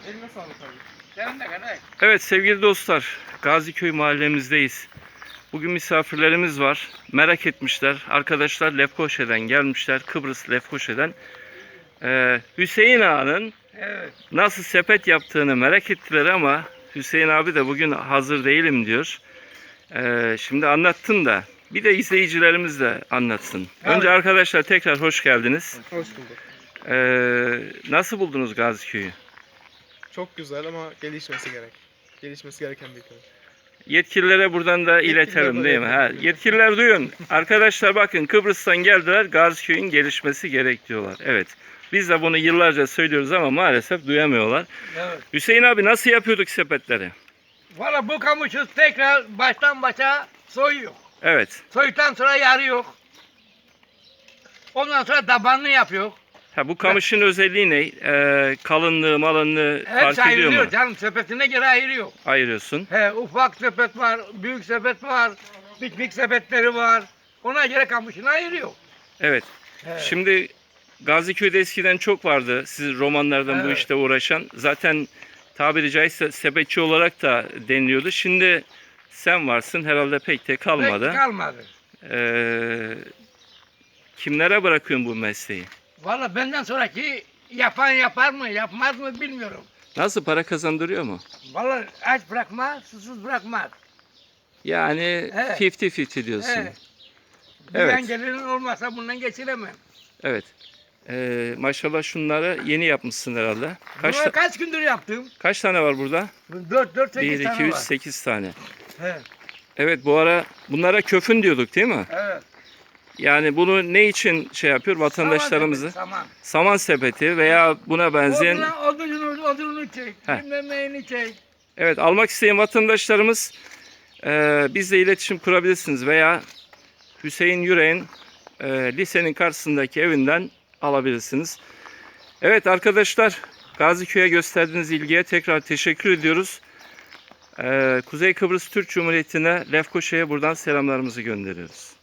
Eline sağlık abi. Sen de kadar. Evet sevgili dostlar, Gaziköy mahallemizdeyiz. Bugün misafirlerimiz var. Merak etmişler. Arkadaşlar Lefkoşa'dan gelmişler. Kıbrıs Lefkoşa'dan. Hüseyin Ağa'nın Evet. nasıl sepet yaptığını merak ettiler ama Hüseyin abi de bugün hazır değilim diyor. Şimdi anlattın da bir de izleyicilerimiz de anlatsın. Evet. Önce arkadaşlar tekrar hoş geldiniz. Hoş bulduk. Nasıl buldunuz Gaziköy'ü? Çok güzel ama gelişmesi gerek. Gelişmesi gereken bir köy. Yetkililere buradan da iletelim değil mi? Ha, yetkililer duyun. Arkadaşlar bakın Kıbrıs'tan geldiler. Gaziköy'ün gelişmesi gerek diyorlar. Evet. Biz de bunu yıllarca söylüyoruz ama maalesef duyamıyorlar. Evet. Hüseyin abi nasıl yapıyorduk sepetleri? Valla bu kamışı tekrar baştan başa soyuyor. Evet. Soyduktan sonra yarıyor. Ondan sonra tabanını yapıyor. Ha, bu kamışın özelliği ne? Kalınlığı, malınlığı fark Hepsi ediyor mu? ayrılıyor canım, sepetine göre ayırıyor. Ayırıyorsun. He, ufak sepet var, büyük sepet var, piknik sepetleri var. Ona göre kamışını ayırıyor. Evet. He. Şimdi Gaziköy'de eskiden çok vardı. Siz romanlardan bu Evet. işte uğraşan. Zaten tabiri caizse sepetçi olarak da deniliyordu. Şimdi sen varsın herhalde pek de kalmadı. Pek kalmadı. Kimlere bırakıyorsun bu mesleği? Valla benden sonraki yapan yapar mı, yapmaz mı bilmiyorum. Nasıl, para kazandırıyor mu? Valla aç bırakmaz, susuz bırakmaz. Yani Evet. 50-50 diyorsun. He. Evet. Bir gelirin olmasa bundan geçiremem. Evet. Maşallah şunları yeni yapmışsın herhalde. Kaç gündür yaptım? Kaç tane var burada? 4 1, 8 2, tane 3, var. 8 tane. He. Evet, bu ara bunlara köfün diyorduk değil mi? Evet. Yani bunu ne için şey yapıyor vatandaşlarımızı? Saman sepeti veya buna benzeyen. Odunu çek, Heh. bilmem neyini çek. Evet, almak isteyen vatandaşlarımız bizle iletişim kurabilirsiniz veya Hüseyin Yürek'in lisenin karşısındaki evinden alabilirsiniz. Evet arkadaşlar, Gaziköy'e gösterdiğiniz ilgiye tekrar teşekkür ediyoruz. Kuzey Kıbrıs Türk Cumhuriyeti'ne, Lefkoşa'ya buradan selamlarımızı gönderiyoruz.